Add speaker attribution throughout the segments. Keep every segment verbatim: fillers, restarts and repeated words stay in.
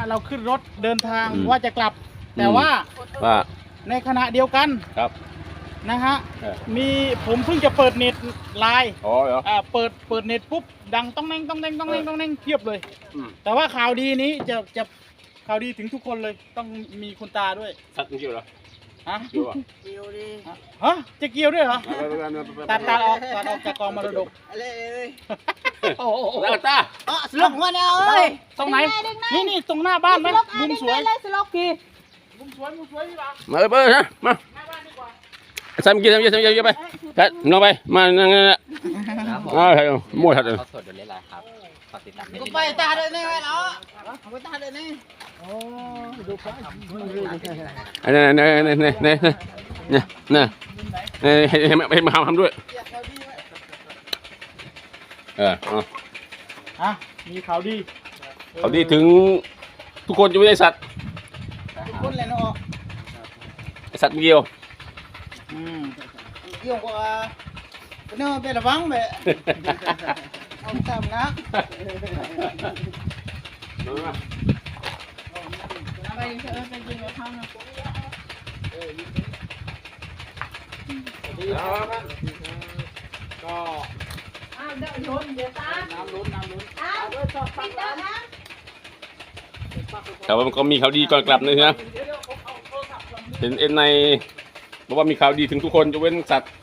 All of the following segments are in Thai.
Speaker 1: ะเราขึ้นรถเดินทางว่าจะกลับแต่ว่า
Speaker 2: ว่า
Speaker 1: ในขณะเดียวกัน
Speaker 2: ครับ
Speaker 1: นะฮะ
Speaker 2: เออ
Speaker 1: มีผมเพิ่งจะเปิดเน็ตไลน์
Speaker 2: อ๋อเหรอ
Speaker 1: อ่าเปิดเปิดเน็ตปุ๊บดังต้องแน่งต้องแน่งต้องแน่งต้องแน่งเพียบเลย
Speaker 2: อืม
Speaker 1: แต่ว่าข่าวดีนี้จะจะข่าวดีถึงทุกคนเลยต้องมีคุณตาด้วย
Speaker 2: สัตว์จริงเหรอ
Speaker 1: ฮะ
Speaker 2: เกี่ยวอ่ะ
Speaker 3: เดียวดิ
Speaker 1: ฮะจะเกี่ยวด้วยเหรอ
Speaker 2: ไปไปไปไป
Speaker 1: ตัดตัดออกตัดออกจากกองมรดก
Speaker 3: อะไรเอ้ย
Speaker 1: โอ้โห
Speaker 2: แล้วตา
Speaker 3: อ๋อสลบหัวเนี่ยเอ้ย
Speaker 1: ตรงไหนนี่นี่ตรงหน้าบ้านไหมมุมสวย
Speaker 3: เลยสลบกี่
Speaker 1: มุมสวยมุมสวยพี่บ่าว
Speaker 2: มาเลยเบอร์นะมา
Speaker 1: หน้าบ้านดีกว่า
Speaker 2: ใส่เมื่อกี้ใส่เมื่อกี้ใส่เมื่อกี้ไปกัดน้องไปมานั่งนั่งนั่งอ่าใช่มั่วทัดเลย
Speaker 4: เขาสดอยู่เลยหลายครับฝากติดตาม
Speaker 3: กูไปตาเลยนี่ไว้แล้วเอาไปตาเลยนี่
Speaker 1: โอ้ดูไป
Speaker 2: อันนี้นี่นี่นี่นี่นี่นี่นี่ให้ให้ให้มาทำด้วยเออเอา
Speaker 1: อ่ะมีข่าวดี
Speaker 2: เขาดีถึงทุกคนจะไม่ได้สัตว์
Speaker 1: ทุกคนเลยเนาะ
Speaker 2: สัตว์เดียว
Speaker 1: อืม
Speaker 3: เกี่ยวกับเนื้อเป็นระวังเบะเอาตามนะไปดิเออไปกินกับข้าวนะ
Speaker 1: ดีครับก็
Speaker 3: อ้าวเดี๋ยวโยนเดี๋ยวตา
Speaker 1: น้ำล้นน้ำล้น
Speaker 3: อ้าวปิดแล้วนะ
Speaker 2: แต่ว่ามันก็มีข่าวดีก่อนกลับนะฮะ
Speaker 1: เดี๋ยวเดี๋ยวผมเอาโทรศัพท์ก่อน
Speaker 2: เห็นเอ็นในบอกว่ามีข่าวดีถึงทุกคนจะเว้นสัตว์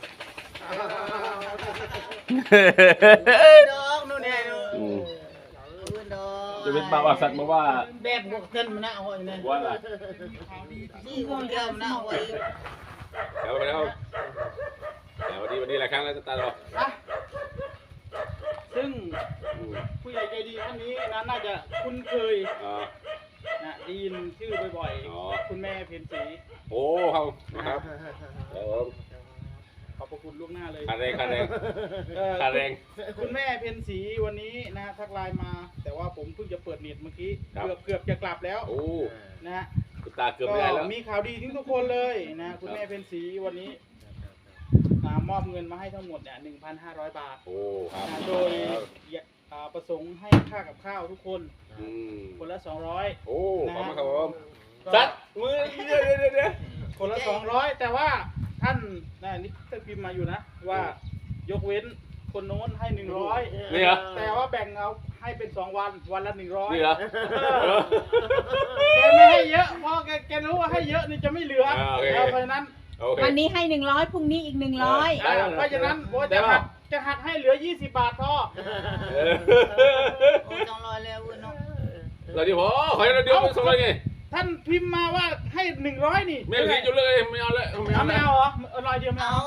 Speaker 3: ดอกนู่นเนี่ย
Speaker 2: อืม
Speaker 3: ดอก
Speaker 2: จะเว้นบ่าวสัตว์บอกว่า
Speaker 3: แบบบวกเกินมันนะเอาไว้เนี่ย
Speaker 2: ว่าอะไร
Speaker 3: ที่บวกเกินมันนะเอาไว้
Speaker 2: เดี๋ยวไปแล้วเดี๋ยววันนี้วันนี้หลายครั้งแล้วตาเรา
Speaker 1: อ่ะซึ่งผู้ใหญ่ใจดีท่านนี้นะน่าจะคุ้นเคย
Speaker 2: อ๋อ
Speaker 1: นะได้ยินชื่อบ่อย
Speaker 2: อ๋อ
Speaker 1: ๆคุณแม่เพ็ญศรี
Speaker 2: โอ้เขานะครับเดี๋ยว
Speaker 1: ขอบพระคุณล่วงหน้าเลย
Speaker 2: ค่าแรงค่าแรง
Speaker 1: เอ่อ
Speaker 2: ค่าแรง
Speaker 1: คุณแม่เพ็ญศรีวันนี้นะทักไลน์มา แต่ว่าผมเพิ่งจะเปิดเน็ตเมื่อกี้
Speaker 2: ครับ
Speaker 1: เกือบเกือบจะกลับแล้ว
Speaker 2: โอ้
Speaker 1: นะฮะ
Speaker 2: คุณตาเกือบไม่ได้แล้ว
Speaker 1: มีข่าวดีถึงทุกคนเลยนะคุณแม่เพ็ญศรีวันนี้อ่ามอบเงินมาให้ทั้งหมดเนี่ยหนึ่งพันห้าร้อยบาท
Speaker 2: โอ้ครับ
Speaker 1: นะโดยอ่าประสงค์ให้ค่ากับข้าวทุกคน
Speaker 2: อืม
Speaker 1: คนละสองร้อย
Speaker 2: โอ้ขอบคุณครับผม
Speaker 1: ก็
Speaker 2: สัตว์มือเดี๋ยวเดี๋ยวเดี๋ยวเดี๋ยว
Speaker 1: คนละสองร้อยแต่ว่าท่านนะนี่ท่านพิมพ์มาอยู่นะ ว่ายกเว้นคนโน้นให้หนึ่งร้อย
Speaker 2: นี่เหรอ
Speaker 1: แต่ว่าแบ่งเอาให้เป็นสองวันวันละหนึ่งร้อย
Speaker 2: นี่เหรอ
Speaker 1: แกไม่ให้เยอะเพราะแกแกรู้ว่าให้เยอะนี่จะไม่เหลือ
Speaker 2: อ่าโอเค
Speaker 1: เอาเพราะฉะนั้น
Speaker 2: โอเค
Speaker 5: วันนี้ให้หนึ่งร้อยพรุ่งนี้อีกหนึ่งร้อย
Speaker 2: ได้
Speaker 1: เพราะฉะนั้นโอ้
Speaker 2: ได้
Speaker 1: จะ
Speaker 2: ป่ะ
Speaker 1: หักจะหักให้เหลือยี่สิบบาทพอ
Speaker 2: เออ
Speaker 3: โอ้จังลอยแล้วเนาะ
Speaker 2: เราเดี๋ยวพอขอให้เราเดี๋ยวเป็นสองร้อยไง
Speaker 1: ท่านพิมพ์มาว่าให้หนึ่งร้อยนี่
Speaker 2: ไม่เอาสิจุดเลยไม่เอาเลยไม่
Speaker 1: เอา
Speaker 2: เอา
Speaker 1: ไม่
Speaker 2: แล้ว
Speaker 1: เอาเหรอเอาร้อยเดียวไม่
Speaker 3: เอา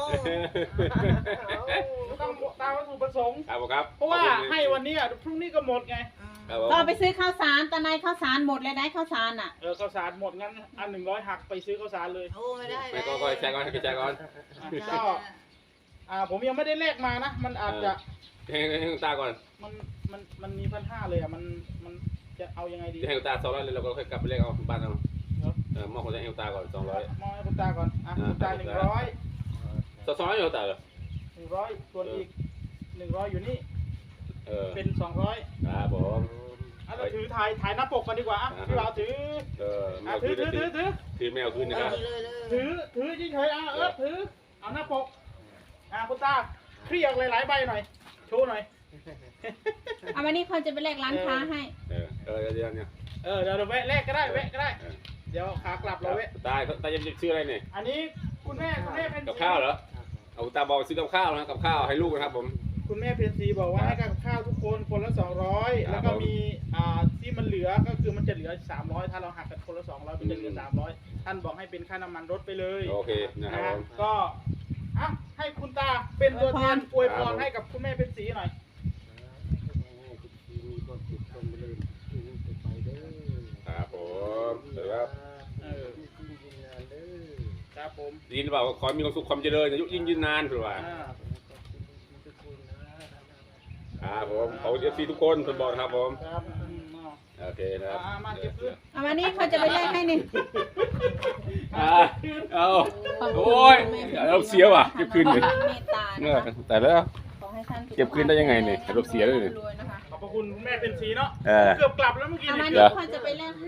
Speaker 1: เอาต้องตามวัตถุประสงค์
Speaker 2: ครับผมครับ
Speaker 1: เพราะว่าให้วันนี้อ่ะพรุ่งนี้ก็หมดไง
Speaker 2: ครับผม
Speaker 5: ก็ไปซื้อข้าวสารตอนไหนข้าวสารหมดเลยได้ข้าวสารอ่ะ
Speaker 1: เออข้าวสารหมดงั้นอันหนึ่งร้อยหักไปซื้อข้าวสารเลย
Speaker 3: โอ้ไม่ได้
Speaker 2: ไม่ก็ก็แชร์ก่อนให้แชร์ก่อน
Speaker 1: อ่ะก็อ่าผมยังไม่ได้เลขมานะ มันอาจจะ
Speaker 2: ให้ให้คุณตาก่อน
Speaker 1: มันมันมันมีพันห้าเลยอ่ะมันมันจะเอายังไงดี
Speaker 2: จะให้คุณตาสองร้อยเลยเราก็ค่อยกลับไปเรียกเอาบ้านเอา
Speaker 1: เนาะ
Speaker 2: เออมอบคนจะให้คุณตาก่อนสองร้อย
Speaker 1: มองให้คุณตาก่อนอ่ะคุณตาหนึ่งร้อย
Speaker 2: สองร้อยอยู่คุณตาเหรอ
Speaker 1: หนึ่งร้อยส่วนอีกหนึ่งร้อยอยู่นี่
Speaker 2: เออ
Speaker 1: เป็นสองร้อย
Speaker 2: ครับผม
Speaker 1: อ่ะเราถือถ่ายถ่ายหน้าปกกันดีกว่าอ่ะพี่บ่าวถือ
Speaker 2: เออแม
Speaker 1: อ่ะ
Speaker 2: ว
Speaker 1: ถื
Speaker 2: คื
Speaker 1: อน ถือถือถือ
Speaker 2: ถือแมวคืนนะครับ
Speaker 3: เลยเลย
Speaker 1: ถือถือเฉยๆอ่ะเออถือเอาหน้าปกอ่ะคุณตาเคลียร์หลายๆใบหน่อยโชว์หน่อย
Speaker 5: เอาวันนี้คนจะไปแลกร้านค้าให้
Speaker 2: เออเออเดี๋ยวเนี่ย
Speaker 1: เออเดี๋ยวเราแวะแลกก็ได้แวะก็ได้ เดี๋ยวขากลับเราแวะ
Speaker 2: ตาตาจะชื่ออะไรเนี่ย
Speaker 1: อันนี้คุณแม่คุณแม่เป็น
Speaker 2: กับข้าวเหรอเอาตาบอกซื้อกับข้าวนะกับข้าวให้ลูกนะครับผม
Speaker 1: คุณแม่เพนซีบอกว่าให้กับข้าวทุกคนคนละสองร้อย
Speaker 2: ครับ
Speaker 1: แล้วก็มีอ่าที่มันเหลือก็คือมันจะเหลือสามร้อยถ้าเราหักกันคนละสองร้อยมันจะเหลือสามร้อยท่านบอกให้เป็นค่าน้ำมันรถไปเลย
Speaker 2: โอเคนะค
Speaker 1: นะ
Speaker 2: รับ
Speaker 1: ฮะ
Speaker 2: ผม
Speaker 1: ก็อ่ะให้คุณตาเป็นตัวแทนอวยพ
Speaker 2: ครั
Speaker 1: ร
Speaker 2: บ
Speaker 1: ให้กับคุณแม่เพนซีหน่อย
Speaker 2: ครับผมเดี๋ยวครับ
Speaker 1: เออครับผม
Speaker 2: ยินดีเปล่าขอให้มีความสุขความเจริญอายุยิ่งยืนนานถือว่า
Speaker 1: อ่า
Speaker 2: ครับผมขอบคุณเอฟซีทุกคนทุกบอกนะครับผม
Speaker 1: ครับอืมเอา
Speaker 2: โอเคนะครับ
Speaker 1: อ่ามาเก็บเสื้อ
Speaker 5: เอาวันนี้เขาจะไปแลกให้นี่
Speaker 2: อ่าเอาโอ้ยเราเสียว่ะเก็บคืนเลย
Speaker 5: เมตตา
Speaker 2: เอ
Speaker 5: นะ
Speaker 2: อ
Speaker 5: คะ
Speaker 2: แต่แล้ว
Speaker 5: ขอให้ท่านสุขภาพ
Speaker 2: เก็บคืนได้ยังไงเนี่ยรถเสียเลย
Speaker 5: รวยๆนะคะ
Speaker 1: ขอบพระคุณคุณแม่เพนซีเนาะ
Speaker 2: เออ
Speaker 1: เกือบกลับแล้วเมื่อกี้
Speaker 5: เอา
Speaker 1: เนี่
Speaker 5: วัน
Speaker 1: ย
Speaker 5: นี้เขาจะไปแลก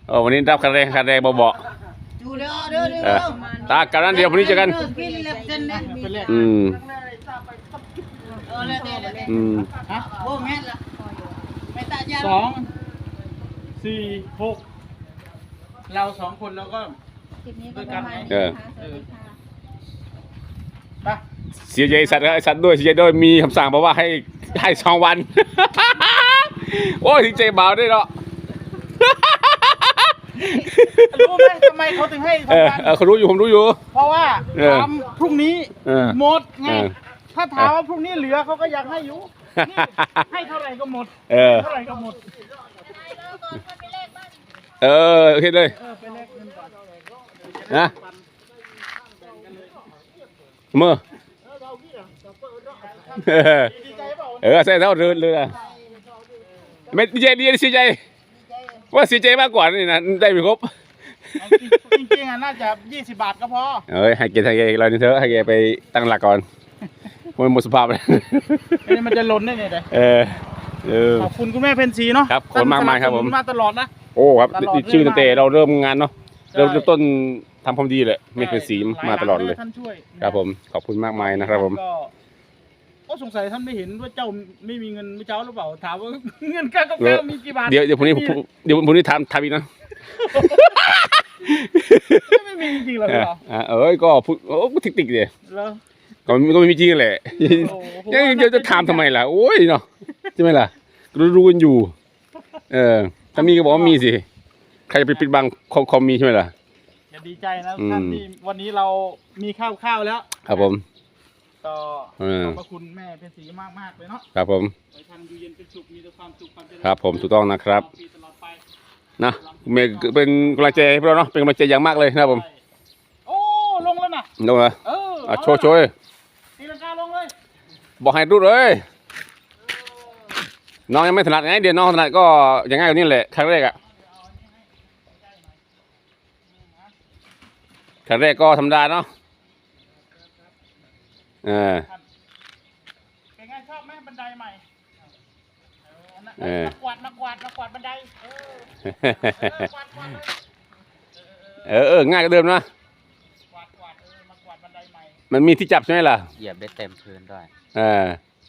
Speaker 2: โอ้วันนี้รับคะแนนคะแนนเบา
Speaker 3: จูเด้อเด้อ
Speaker 2: ๆ
Speaker 3: เด้
Speaker 2: เออ
Speaker 3: อ
Speaker 2: ตากันนั้นเดียวพรุ่งนี้เจอกัน
Speaker 3: กินเล็บเส้นนะ
Speaker 1: เป็นเลข
Speaker 2: อืม
Speaker 3: เออเลยเลยเลย
Speaker 2: อืม
Speaker 1: ฮะ
Speaker 3: โอ้แม่ละไม่ตายา
Speaker 1: สองสี่หกเราสองคนแล้วก็
Speaker 5: คลิปนี้ก็ประมาณนี้
Speaker 2: เออ
Speaker 5: นะคะสวัสดีค่ะ
Speaker 1: ไป
Speaker 2: เสียใจสัตว์ไอ้สัตว์ด้วยเสียใจด้วยมีคำสั่งบอกว่าให้ให้สองวัน โอ้ยถึงใจเบาด้วยเนาะ
Speaker 1: รู้ไหมทำไมเขาถึงให้
Speaker 2: เออ
Speaker 1: ทำงาน
Speaker 2: เออเขารู้อยู่ผมรู้อยู่
Speaker 1: เพราะว่า
Speaker 2: เออ
Speaker 1: ทำพรุ่งนี้
Speaker 2: เออ
Speaker 1: หมดไง
Speaker 2: เออ
Speaker 1: ถ้าถามว่าพรุ่งนี้เหลือเขาก็อยากให้อยู่นี่ให้เท่าไหร่ก็หมด
Speaker 2: เออ
Speaker 1: เท่าไหร่ก็หมด
Speaker 2: เออโอเคเลย
Speaker 1: เออไปแลกเงินก่อน
Speaker 2: นะเมื่อเออ
Speaker 1: ดีใจเปล่า
Speaker 2: เออใส่เท่าเรือเรือไม่ดีใจดีเสียใจว่าเสียใจมากกว่านี่นะได้ไม่ครบ
Speaker 1: จริงๆอ่ะน่าจะยี่สิบบาทก็พอ
Speaker 2: เอ้ยให้เกให้เกเรานี่เถอะให้เกไปตั้งหลักก่อนมันหมดสภาพเลย
Speaker 1: ไม่งั้นมันจะล้นได้ไงเลย
Speaker 2: เออเออ
Speaker 1: ขอบคุณคุณแม่เพนสีเนาะ
Speaker 2: ครับขอบคุณมากมายครับผม
Speaker 1: สนัสนุนมาตลอดนะ
Speaker 2: โอ้ครับ
Speaker 1: ตลอด
Speaker 2: ชื่อตั้งแต่เราเริ่มงานเนาะ
Speaker 1: ใช่
Speaker 2: เริ่มต้นทำความดีเลยไม่เป็นสีมาตลอดเลย
Speaker 1: ท่านช่วย
Speaker 2: ครับผมขอบคุณมากมายนะครับผม
Speaker 1: ก็โอ้สงสัยท่านไม่เห็นว่าเจ้าไม่มีเงินไม่เจ้าหรือเปล่าถามว่าเงินค่ากับข้าวมีกี่บาท
Speaker 2: เดี๋ยวเดี๋ยวพรุ่งนี้ผมเดี๋ยวพรุ่งนี้ทำทำอีกนะ
Speaker 1: ไม่มีจริงๆเหรอ
Speaker 2: เอ
Speaker 1: พี่
Speaker 2: อ
Speaker 1: เหรอ
Speaker 2: อ่ะเอ้ยก็พูดโอ้ติกติกๆเลย
Speaker 1: แล้ว
Speaker 2: ก็มันก็ไม่มีจริงแหละ
Speaker 1: โอ้ผม
Speaker 2: ยัง
Speaker 1: ว่า
Speaker 2: จะจะถามทำไมล่ะ โอ้ยเนาะใช่ไหมล่ะรู้รู้กันอยู่ เออ ถ้ามีก็บอกว่ามีสิ ใครจะไปปิดบังคอมคอมมีใช่ไหมล่ะ
Speaker 1: อย่าดีใจนะ
Speaker 2: อืม
Speaker 1: ท่านที่วันนี้เรามีข้าวข้าวแล้ว
Speaker 2: ครับผม
Speaker 1: ก็
Speaker 2: เออ
Speaker 1: ขอบพระคุณแม่เป็นสีมากมากๆเลยเนาะ
Speaker 2: ครับผม
Speaker 1: ขอให้ท่านอยู่เย็นเป็นสุขมีแต่ความสุขความเจริญ
Speaker 2: ครับผมถูกต้องนะครับ
Speaker 1: ตลอดปีตลอดไป
Speaker 2: นะคุณเมย์เป็นกำลังใจให้พวกเราเนาะเป็นกำลังใจอย่างมากเลยนะครับผม
Speaker 1: โอ้ลงแล้วนะ
Speaker 2: ดูนะ
Speaker 1: เออ
Speaker 2: อ่ะ
Speaker 1: เอา
Speaker 2: โชว์โชว์เลย
Speaker 1: ตีลังกาลงเลย
Speaker 2: บอกให้รู้เลยน้องยังไม่ถนัดไงเดี๋ยวน้องถนัดก็อย่างง่ายกว่านี้แหละครั้งแรกอะครั้งแรกก็ธรรมดาเนาะเออ
Speaker 1: เป็นไงชอบไหมบันไดใหม่เอ
Speaker 2: เอ
Speaker 1: อ
Speaker 2: อ
Speaker 1: นักกวาดนักกวาดนักกวาดบันไดเออเออกวาดกวาดเลย
Speaker 2: เออเออง่ายกว่าเดิมนะ
Speaker 1: กวาดกวาดเออมากวาดบันไดใหม่
Speaker 2: มันมีที่จับใช่ไหมล่ะ
Speaker 4: เหยียบได้เต็มพื้นด้วย
Speaker 2: เออ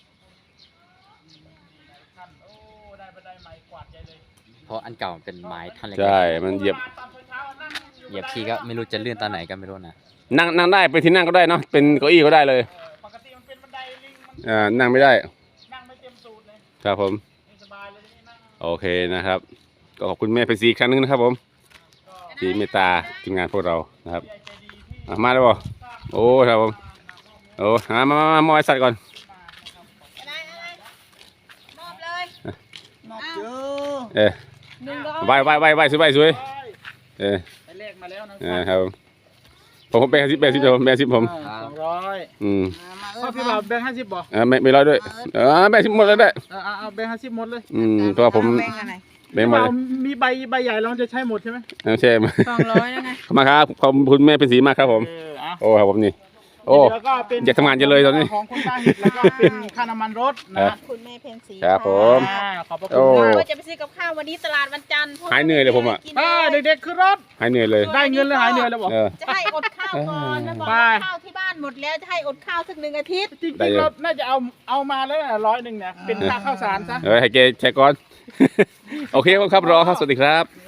Speaker 1: ท่านโอ้ได้บันไดใหม่กวาดใหญ่เลย
Speaker 4: เพราะอันเก่ามันเป็นไม้ท่อนเล็ก
Speaker 2: ใช่มันเหยียบ
Speaker 1: ตอนเช้าๆนั่ง
Speaker 4: ๆเหยียบทีก็ไม่รู้จะลื่นตอนไหนก็ไม่รู้นะ
Speaker 2: นั่งนั่งได้ไปที่นั่งก็ได้เนาะเป็นเก้าอี้ก็ได้เลย
Speaker 1: เออปกติมันเป็นบันไดลิงมัน
Speaker 2: อ่านั่งไม่ได้
Speaker 1: นั่งไม่เต็มสูตรเลย
Speaker 2: ครับผม
Speaker 1: ไม่สบายเลยนี่นั่ง
Speaker 2: โอเคนะครับ ก็ขอบคุณแม่เพชรศรีอีกครั้งหนึงนะครับผมที่เมตตาทีมงานพวกเรานะครับ
Speaker 1: ใจดีที่
Speaker 2: อ่ะมาแล้วบ่โอ้ครับผมโอ้หามามามามาไว้สัตว์ก่อน
Speaker 5: อะไรอะไรมอบเลย
Speaker 3: นอกเจอ
Speaker 2: เออ
Speaker 5: หนึ่งก็เอา
Speaker 2: ไว้ไว้ไว้ไว้สวยไว้สวยเออ
Speaker 1: ไปเลขมาแล้วนะ
Speaker 2: เออครับผมผมผมแบ่งสิบแบ่งสิบผมแบ่งสิบผม
Speaker 1: สองร้อย
Speaker 2: อืม
Speaker 3: มาเอ
Speaker 1: พ่อ
Speaker 3: อ
Speaker 1: พี่บ่าวแบงค์ห้าสิบบ่
Speaker 2: เออไม่ไม่ร้อยด้วยเออแบ่งสิบหมดเลยได้
Speaker 1: เออเอาเอาแบงค์ห้าสิบหมดเลย
Speaker 2: อืมเพราะว่าผม
Speaker 3: แบ่งอะไร
Speaker 2: แบ่งหมดเลย
Speaker 1: มีใบใบใหญ่เราจะใช้หมดใช่ไหม
Speaker 2: เอาใช่ไหม
Speaker 5: สองร้อยแล้วไง
Speaker 2: ขอบคุณมากครับขอบคุณแม่เป็นสีมากครับผม
Speaker 1: เอออ่ะ
Speaker 2: โอ้ครับผมนี่โอ้
Speaker 1: แล้วก็เป็น
Speaker 2: อยากทำงานจังเลยตอนนี้
Speaker 1: ของคุณตาหิดแล้วก็เป็นค่าน้ำมันรถนะ
Speaker 5: คุณแม่เพนสี
Speaker 2: ครับผม
Speaker 1: อ่าขอบพระ
Speaker 2: โอ้
Speaker 1: คุณมาก
Speaker 5: ว่าจะไปซื้อกับข้าววันนี้ตลาดวันจันทร์
Speaker 2: หายเหนื่อยเลยผมอะ
Speaker 5: กิน
Speaker 1: อ่า
Speaker 5: เอง
Speaker 1: เด็กๆขึ้นรถ
Speaker 2: หายเหนื่อยเลย
Speaker 1: ได้เงินแล้วหายเหนื่อยแล้วบอก
Speaker 2: เออ
Speaker 5: จะให้อดข้าวก่อนแล้วบอก
Speaker 1: ไป
Speaker 5: ว่าข้าวที่บ้านหมดแล้วจะให้อดข้าวสักหนึ่งอาทิตย์
Speaker 1: จริง
Speaker 2: ได้
Speaker 1: ๆ
Speaker 2: เยอะ
Speaker 1: เราน่าจะเอาเอามาแล้วนะร้อยหนึ่งเนี่ยเป็นค่าข้าวสารซะ
Speaker 2: เออให้แกแชร์ก่อน โอเคครับรอครับสวัสดีครับ